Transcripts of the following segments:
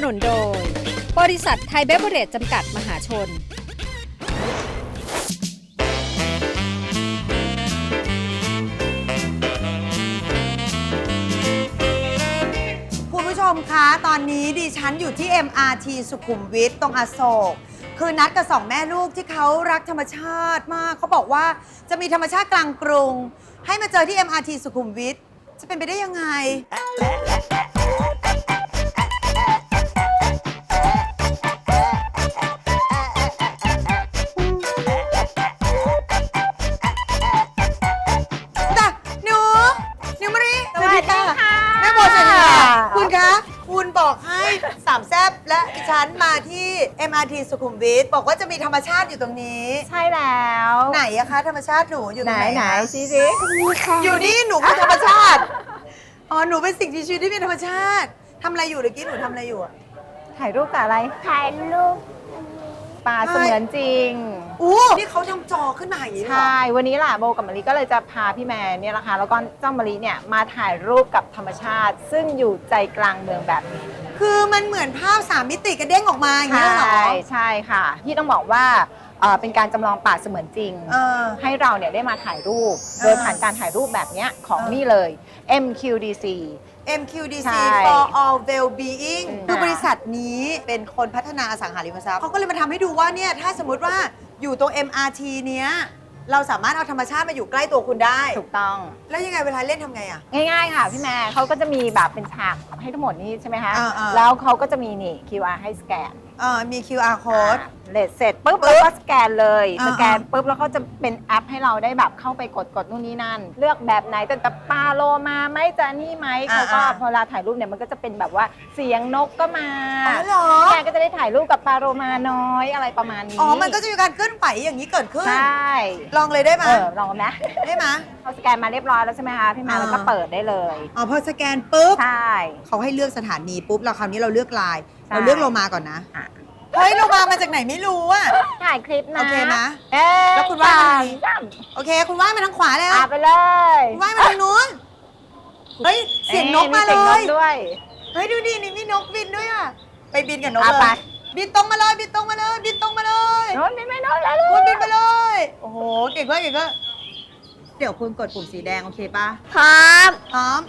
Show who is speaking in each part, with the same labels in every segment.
Speaker 1: นุนโดยบริษัทไทยเบเวอเรจจำกัดมหาชน
Speaker 2: คุณผู้ชมคะตอนนี้ดิฉันอยู่ที่ MRT สุขุมวิทตรงอโศกคือนัดกับสองแม่ลูกที่เขารักธรรมชาติมากเขาบอกว่าจะมีธรรมชาติกลางกรุงให้มาเจอที่ MRT สุขุมวิทจะเป็นไปได้ยังไงคุณคะคุณบอกให้สามแซ่บและดิฉันมาที่ MRT สุขุมวิทบอกว่าจะมีธรรมชาติอยู่ตรงนี้
Speaker 3: ใช่แล้ว
Speaker 2: ไหนอะคะธรรมชาติหนูอยู่ตรงไหน
Speaker 3: ไหนชี้สิ
Speaker 2: อยู่นี่หนูคือธรรมชาติอ๋อหนูเป็นสิ่งมีชีวิตที่เป็นธรรมชาติทำอะไรอยู่เมื่อกี้หนูทำอะไรอยู่อะ
Speaker 3: ถ่ายรูปกับอะไร
Speaker 4: ถ่ายรูป
Speaker 3: ป่าเสมือนจริง
Speaker 2: นี่เขาทำจอขึ้นมาอย่างนี้เหรอ
Speaker 3: ใช่วันนี้ล่ะโบกับมะลิก็เลยจะพาพี่แมนเนี่ยนะคะแล้วก็เจ้ามะลิเนี่ยมาถ่ายรูปกับธรรมชาติ ซึ่งอยู่ใจกลางเมืองแบบนี้
Speaker 2: คือมันเหมือนภาพ3 มิติกระเด้งออกมาอย่างนี้เหรอ
Speaker 3: ใช่ค่ะที่ต้องบอกว่าเป็นการจำลองป่าเสมือนจริงให้เราเนี่ยได้มาถ่ายรูปโดยผ่านการถ่ายรูปแบบนี้ของนี่เลย MQDC
Speaker 2: MQDC for all well-being คือบริษัทนี้เป็นคนพัฒนาอสังหาริมทรัพย์เขาก็เลยมาทำให้ดูว่าเนี่ยถ้าสมมติว่าอยู่ตรง MRT เนี้ยเราสามารถเอาธรรมชาติมาอยู่ใกล้ตัวคุณได้
Speaker 3: ถูกต้อง
Speaker 2: แล้วยังไงเวลาเล่นทำไงอ่ะ
Speaker 3: ง่ายๆค่ะพี่แม่เขาก็จะมีแบบเป็นฉากให้ทั้งหมดนี้ใช่ไหมคะแล้วเขาก็จะมีนี่ QR ให้สแกน
Speaker 2: มี QR code
Speaker 3: เสร็จปุ๊บแล้วก็สแกนเลยสแกนปุ๊บแล้วเขาจะเป็นแอปให้เราได้แบบเข้าไปกดนู่นนี่นั่นเลือกแบบไหนแต่ปลาโลมาไหมจะนี่ไหมเขาก็พอเวลาถ่ายรูปเนี่ยมันก็จะเป็นแบบว่าเสียงนกก็มาแกก็จะได้ถ่ายรูปกับปลาโลมาน้อยอะไรประมาณนี้
Speaker 2: มันก็จะมีการเคลื่อนไหวอย่างนี้เกิดขึ้น
Speaker 3: ใช่
Speaker 2: ลองเลยได้ไหม
Speaker 3: ลองไหม
Speaker 2: ได้ไหม
Speaker 3: เขาสแกนมาเรียบร้อยแล้วใช่ไหมคะพี่แม่แล้วก็เปิดได้เลย
Speaker 2: พอสแกนปุ๊บ
Speaker 3: ใช่
Speaker 2: เขาให้เลือกสถานีปุ๊บเราคราวนี้เราเลือกไลน์เราเลือกโลมาก่อนนะเฮ้ยโลมาจากไหนไม่รู้อะ
Speaker 3: ถ่ายคลิปนะ
Speaker 2: โอเคนะแล้วคุณว่าโอเคคุณว่ามาทางขวาแล้ว
Speaker 3: ไปเลย
Speaker 2: คุณว่ามาทางนู้นเฮ้ยเสียงนกมาเลยเฮ้ยดูดินี่มีนกบินด้วยอะไปบินกับนกเลยบินตรงมาเลยบินตรงมาเลยบินตรงมาเลย
Speaker 3: โน้นบินไม่โน้นแล้ว
Speaker 2: คุณบินไปเลยโอ้โหเก่งมากเก่งมากเดี๋ยวคุณกดปุ่มสีแดงโอเคป่ะ
Speaker 4: พร้
Speaker 2: อม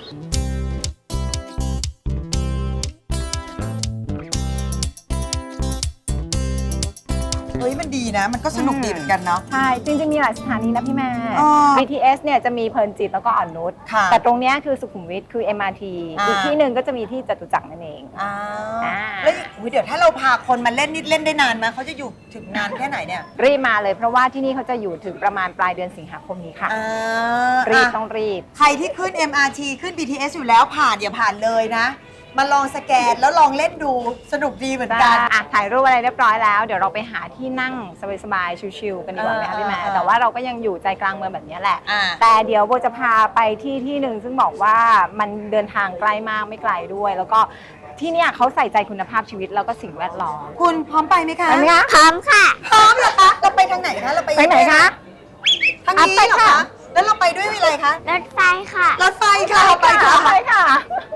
Speaker 2: เฮ้ยมันดีนะมันก็สนุกดีเหมือนกันเนาะ
Speaker 3: ใช่จริงๆมีหลายสถานีนะพี่แม่ BTS เนี่ยจะมีเพลินจิตแล้วก็อ่อนนุชแต่ตรงนี้คือสุขุมวิทคือ MRT อีกที่หนึ่งก็จะมีที่จตุจักรนั่นเอง
Speaker 2: แล้วเดี๋ยวถ้าเราพาคนมาเล่นนี่เล่นได้นานไหมเขาจะอยู่ถึงนานแค่ไหนเนี่ย
Speaker 3: รีบมาเลยเพราะว่าที่นี่เขาจะอยู่ถึงประมาณปลายเดือนสิงหาคมนี้ค่ะรีบต้องรีบ
Speaker 2: ใครที่ขึ้น MRT ขึ้น BTS อยู่แล้วผ่านอย่าผ่านเลยนะมาลองสแกนแล้วลองเล่นดูสนุกดีเหมือนกัน
Speaker 3: ถ่ายรูปอะไรเรียบร้อยแล้วเดี๋ยวเราไปหาที่นั่งสบายๆชิลๆกันดีกว่าไหมคะพี่แม่แต่ว่าเราก็ยังอยู่ใจกลางเมืองแบบนี้แหละแต่เดี๋ยวโบจะพาไปที่หนึ่งซึ่งบอกว่ามันเดินทางใกล้มากไม่ไกลด้วยแล้วก็ที่เนี่ยเขาใส่ใจคุณภาพชีวิตแล้วก็สิ่งแวดล้อม
Speaker 2: คุณพร้อมไปไหมคะ
Speaker 3: พร้อม
Speaker 4: ค่ะ
Speaker 2: พร้อมเหรอคะเราไปทางไหนคะเราไป
Speaker 3: ไหนคะ
Speaker 2: ทางนี้เหรอคะแล้วเราไปด้วยอะไรคะ
Speaker 4: รถไฟค่ะ
Speaker 2: รถไฟค่ะไปค่ะ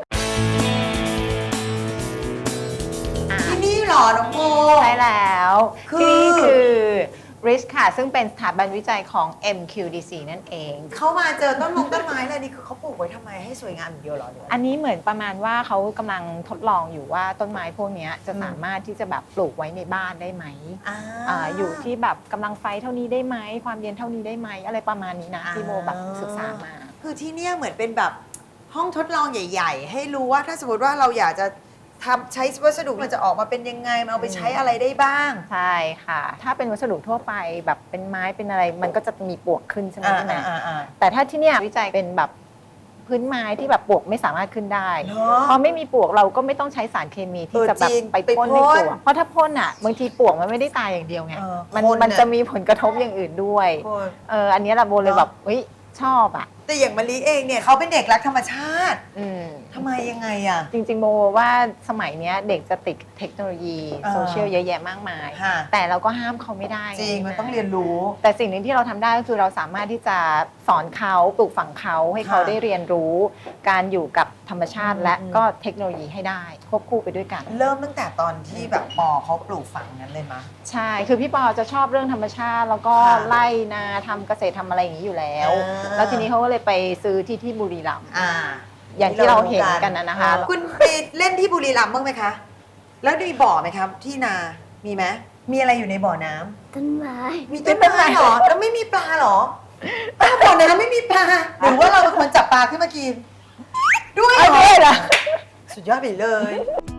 Speaker 2: ที่นี่หรอน้องโม
Speaker 3: ใช่แล้วที่นี่คือ RISH ค่ะซึ่งเป็นสถาบันวิจัยของ MQDC นั่นเอง
Speaker 2: เข้ามาเจอต้นไม้เลยนี่คือเขาปลูกไว้ทำไมให้สวยงามอย่างเดียวหรอ
Speaker 3: อันนี้เหมือนประมาณว่าเขากำลังทดลองอยู่ว่าต้นไม้พวกนี้จะสามารถที่จะแบบปลูกไว้ในบ้านได้ไหมอยู่ที่แบบกำลังไฟเท่านี้ได้ไหมความเย็นเท่านี้ได้ไหมอะไรประมาณนี้นะที่โมแบบศึกษามา
Speaker 2: คือที่นี่เหมือนเป็นแบบห้องทดลองใหญ่ๆให้รู้ว่าถ้าสมมติว่าเราอยากจะใช้วัสดุมันจะออกมาเป็นยังไงมันเอาไปใช้อะไรได้บ้าง
Speaker 3: ใช่ค่ะถ้าเป็นวัสดุทั่วไปแบบเป็นไม้เป็นอะไรมันก็จะมีปลวกขึ้นใช่ไหมพี่แม่แต่ถ้าที่เนี่ยวิจัยเป็นแบบพื้นไม้ที่แบบปลวกไม่สามารถขึ้นได้พอไม่มีปลวกเราก็ไม่ต้องใช้สารเคมีที่จะแบบไปพ่นให้ปลวกเพราะถ้าพ่นอ่ะบางทีปลวกมันไม่ได้ตายอย่างเดียวไงมันจะมีผลกระทบอย่างอื่นด้วยอันนี้เราโบเลยแบบชอบอ่ะ
Speaker 2: แต่อย่างมะลิเองเนี่ยเขาเป็นเด็กรักธรรมชาติทำไมยังไงอ่ะ
Speaker 3: จริงๆโมว่าสมัยนี้เด็กจะติดเทคโนโลยีโซเชียลเยอะแยะมากมายแต่เราก็ห้ามเขาไม่ได้
Speaker 2: จริงมันต้องเรียนรู้
Speaker 3: แต่สิ่งหนึ่งที่เราทำได้ก็คือเราสามารถที่จะสอนเขาปลูกฝังเขาให้เขาได้เรียนรู้การอยู่กับธรรมชาติและก็เทคโนโลยีให้ได้ควบคู่ไปด้วยกัน
Speaker 2: เริ่มตั้งแต่ตอนที่แบบปอเขาปลูกฝังนั้นเลยมะ
Speaker 3: ใช่คือพี่ปอจะชอบเรื่องธรรมชาติแล้วก็
Speaker 2: ค่ะ
Speaker 3: ไร่นาทำเกษตรทำอะไรอย่างนี้อยู่แล้ว แล้วทีนี้เขาก็เลยไปซื้อที่บุรีรัมย์อย่างที่เราเห็นกันนะคะ
Speaker 2: คุณไปเล่นที่บุรีรัมย์บ้างไหมคะ แล้วมีบ่อไหมครับที่นา มีไหมมีอะไรอยู่ในบ่อน้ำ
Speaker 4: ต้นไม้
Speaker 2: มีต้นไม้เหรอ แล้วไม่มีปลาเหรอบ่อน้ำไม่มีปลา หรือว่าเราเป็นคนจับปลาขึ้นมากิน ด้วยเหรอสุดยอดไปเลย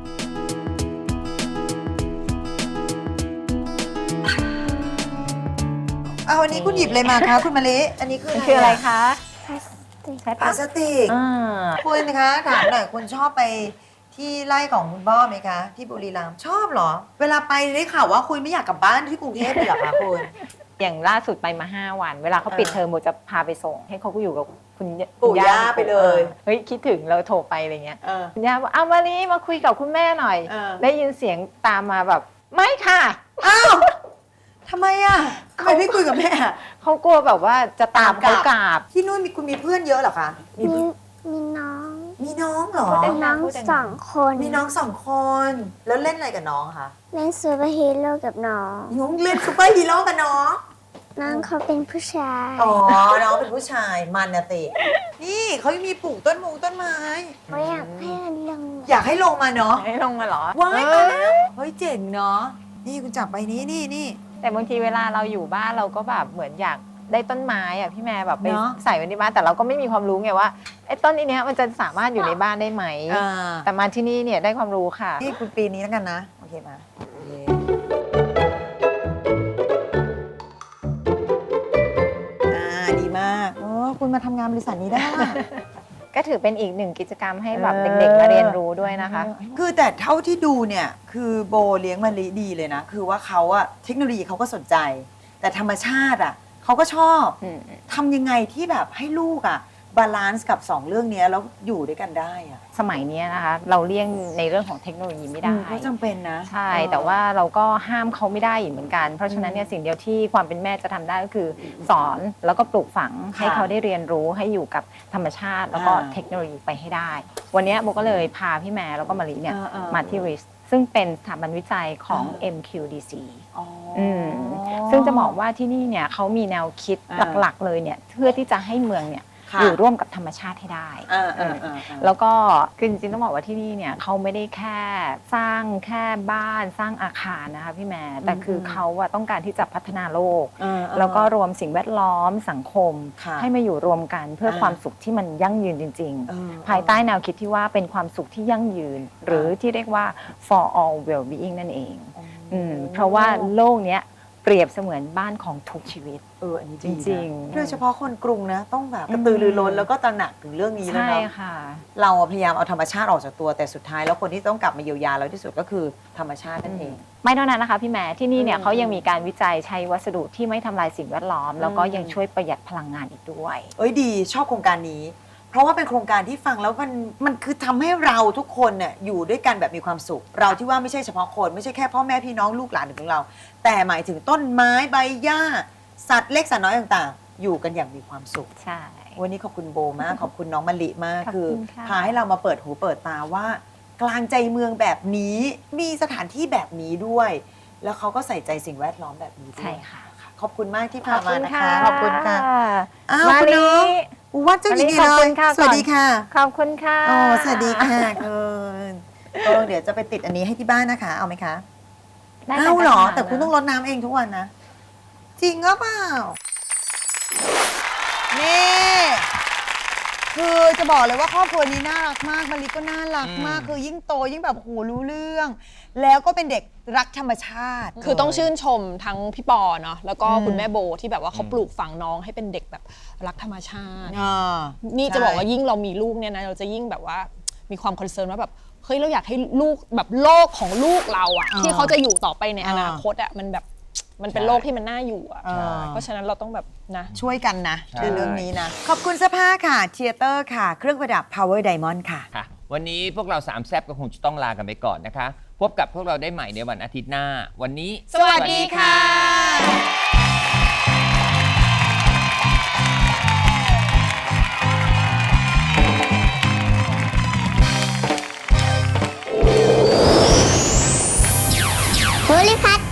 Speaker 2: เอาวันนี้คุณหยิบเลยมาคะคุณมะลิอันนี้คือ
Speaker 3: คืออะไรคะ
Speaker 4: พลาสติก
Speaker 2: พลาสติก คุณคะถามหน่อยคุณชอบไปที่ไร่ของคุณพ่อไหมคะ ที่บุรีรัมย์ชอบเหรอ เวลาไปได้ข่าวว่าคุณไม่อยากกลับบ้านที่กรุงเทพเลยเหรอคะคุณ
Speaker 3: อย่างล่าสุดไปมา 5 วัน เวลาเขาปิดเทอมโบจะพาไปส่ง ให้เขาก็อยู่กับคุณ
Speaker 2: ปู่ย่าไปเลย
Speaker 3: เฮ้ยคิดถึงเราโทรไปอะไรเงี้ยคุณย่าบอกเอามาลีมาคุยกับคุณแม่หน่อย ได้ยินเสียงตามมาแบบไม่ค่ะ
Speaker 2: อ้าวทำไมอ่ะทำไมไม่คุยกับแม่อะ
Speaker 3: เขากลัวแบบว่าจะตามเขากราบ
Speaker 2: ที่นู่นคุณมีเพื่อนเยอะเหรอคะ
Speaker 4: มีน้อง
Speaker 2: มีน้องเหรอ
Speaker 3: พูดได้
Speaker 4: น้องสองคน
Speaker 2: มีน้อง2 คน แล้วเล่นอะไรกับน้องคะ
Speaker 4: เล่นซูเปอร์ฮีโร่กับน้อง
Speaker 2: น้องเล่นซูเปอร์ฮีโร่กับน้อง
Speaker 4: น้องเขาเป็นผู้ชาย
Speaker 2: อ๋อ น้องเป็นผู้ชายมันนะตินี่เขายังมีปลูกต้นไม้
Speaker 4: เขาอยากให้มันลง
Speaker 2: อยากให้ลงมาเนาะ
Speaker 3: ให้ลงมาเหรอ
Speaker 2: ว้ายมาแล้วเฮ้ยเจ๋งเนาะนี่คุณจับไปนี่
Speaker 3: แต่บางทีเวลาเราอยู่บ้านเราก็แบบเหมือนอยากได้ต้นไม้อะพี่แม่แบบไป
Speaker 2: เนอะ
Speaker 3: ใส่ไว้ในบ้านแต่เราก็ไม่มีความรู้ไงว่าไอ้ต้นนี้เนี้ยมันจะสามารถอยู่ในบ้านได้ไหม แต่มาที่นี่เนี่ยได้ความรู้ค่ะ
Speaker 2: นี่คุณปีนี้แล้วกันนะ โอเคมาโอเคดีมากโอ้คุณมาทำงานบริษัทนี้ได้
Speaker 3: ก็ถือเป็นอีกหนึ่งกิจกรรมให้แบบเด็กๆมาเรียนรู้ด้วยนะคะ
Speaker 2: คือแต่เท่าที่ดูเนี่ยคือโบเลี้ยงมะลิดีเลยนะ คือว่าเขาอะเทคโนโลยีเขาก็สนใจ แต่ธรรมชาติอะเขาก็ชอบทำยังไงที่แบบให้ลูกอะบาลานซ์กับ2เรื่องนี้แล้วอยู่ด้วยกันได้อะ
Speaker 3: สมัยนี้นะคะเราเลี่ยงในเรื่องของเทคโนโลยีไม่ได้
Speaker 2: ก็จำเป็นนะ
Speaker 3: ใช่แต่ว่าเราก็ห้ามเขาไม่ได้อีกเหมือนกัน เพราะฉะนั้นเนี่ยสิ่งเดียวที่ความเป็นแม่จะทำได้ก็คือสอนแล้วก็ปลูกฝังให้เขาได้เรียนรู้ให้อยู่กับธรรมชาติแล้วก็เทคโนโลยีไปให้ได้ วันนี้โบก็เลยพาพี่แม่แล้วก็มารีเนี่ยมาที่ RIS ซึ่งเป็นสถาบันวิจัยของ MQDC ซึ่งจะบอกว่าที่นี่เนี่ยเขามีแนวคิดหลักๆเลยเนี่ยเพื่อที่จะให้เมืองเนี่ยอยู่ร่วมกับธรรมชาติให้ได้แล้วก็คือจริงๆต้องบอกว่าที่นี่เนี่ยเขาไม่ได้แค่สร้างแค่บ้านสร้างอาคารนะคะพี่แม่แต่คือเขาต้องการที่จะพัฒนาโลกแล้วก็รวมสิ่งแวดล้อมสังคมให้มาอยู่รวมกันเพื่อความสุขที่มันยั่งยืนจริงๆภายใต้แนวคิดที่ว่าเป็นความสุขที่ยั่งยืนหรือที่เรียกว่า for all well-being นั่นเองเพราะว่าโลกเนี้ยเปรียบเสมือนบ้านของทุกชีวิต
Speaker 2: อันนี้
Speaker 3: จริงๆ
Speaker 2: โดยเฉพาะคนกรุงนะต้องแบบกระตือรือร้นแล้วก็ตระหนักถึงเรื่องนี้แล้ว
Speaker 3: ใช่
Speaker 2: เนาะ
Speaker 3: ค่ะ
Speaker 2: เราพยายามเอาธรรมชาติออกจากตัวแต่สุดท้ายแล้วคนที่ต้องกลับมาเยียวยาเราที่สุดก็คือธรรมชาตินั่นเอง
Speaker 3: ไม่เท่านั้นนะคะพี่แม่ที่นี่เนี่ยเขายังมีการวิจัยใช้วัสดุที่ไม่ทำลายสิ่งแวดล้อมแล้วก็ยังช่วยประหยัดพลังงานอีกด้วย
Speaker 2: ดีชอบโครงการนี้ เพราะว่าเป็นโครงการที่ฟังแล้วมันคือทำให้เราทุกคนเนี่ยอยู่ด้วยกันแบบมีความสุขเราที่ว่าไม่ใช่เฉพาะคนไม่ใช่แค่พ่อแม่พี่น้องลูกหลานของเรา แต่หมายถึงต้นไม้ใบหญ้าสัตว์เล็กสัตว์น้อยต่างๆอยู่กันอย่างมีความสุข
Speaker 3: ใช่
Speaker 2: วันนี้ขอบคุณโบมาก ขอบคุณน้องมะลิมาก
Speaker 3: ขอบ
Speaker 2: คือ
Speaker 3: คุณค่ะ
Speaker 2: พาให้เรามาเปิดหูเปิดตาว่า กลางใจเมืองแบบนี้มีสถานที่แบบนี้ด้วย แล้วเขาก็ใส่ใจสิ่งแวดล้อมแบบนี้ด้วย
Speaker 3: ใช่ค่ะ
Speaker 2: ขอบคุณมากที่พามานะคะ
Speaker 3: ขอบคุณค่ะ
Speaker 2: อ้าว
Speaker 3: มา
Speaker 2: คุณ
Speaker 3: ลี
Speaker 2: น้องวัดเจ้าหญิง
Speaker 3: ขอบ
Speaker 2: เล
Speaker 3: คุ
Speaker 2: ย
Speaker 3: ณค่ะ
Speaker 2: สวัสดีค่ะ
Speaker 3: ขอบคุณค่ะ
Speaker 2: โอ้สวัสดีค่ะคุณเดี๋ยวจะไปติดอันนี้ให้ที่บ้านนะคะ เอาไหมคะ
Speaker 3: ได้
Speaker 2: เอาเหรอ
Speaker 3: ได้
Speaker 2: แต่คุณต้องรดน้ำเองทุกวันนะ จริงก็เปล่า นี่ คือจะบอกเลยว่าครอบครัวนี้น่ารักมากมะลิก็น่ารักมาก คือยิ่งโตยิ่งแบบโหรู้เรื่อง แล้วก็เป็นเด็กรักธรรมชาติ
Speaker 5: คือต้องชื่นชมทั้งพี่ปอเนาะแล้วก็คุณแม่โบที่แบบว่าเขาปลูกฝังน้องให้เป็นเด็กแบบรักธรรมชาติ นี่จะบอกว่ายิ่งเรามีลูกเนี่ยนะเราจะยิ่งแบบว่ามีความคอนเซิร์นว่าแบบเฮ้ยเราอยากให้ลูกแบบโลกของลูกเราอะที่เขาจะอยู่ต่อไปในอนาคตอะมันแบบมันเป็นโลกที่มันน่าอยู่อะเพราะฉะนั้นเราต้องแบบนะ
Speaker 2: ช่วยกันนะในเรื่องนี้นะ ขอบคุณเสื้อผ้าค่ะเทียเตอร์ค่ะ เครื่องประดับ Power Diamond ค่ะ
Speaker 6: ค่ะวันนี้พวกเรา3แซบก็คงจะต้องลากันไปก่อนนะคะ พบกับพวกเราได้ใหม่ในวันอาทิตย์หน้า วันนี้
Speaker 5: สวัสดีค่ะ
Speaker 4: ภูริพัฒน์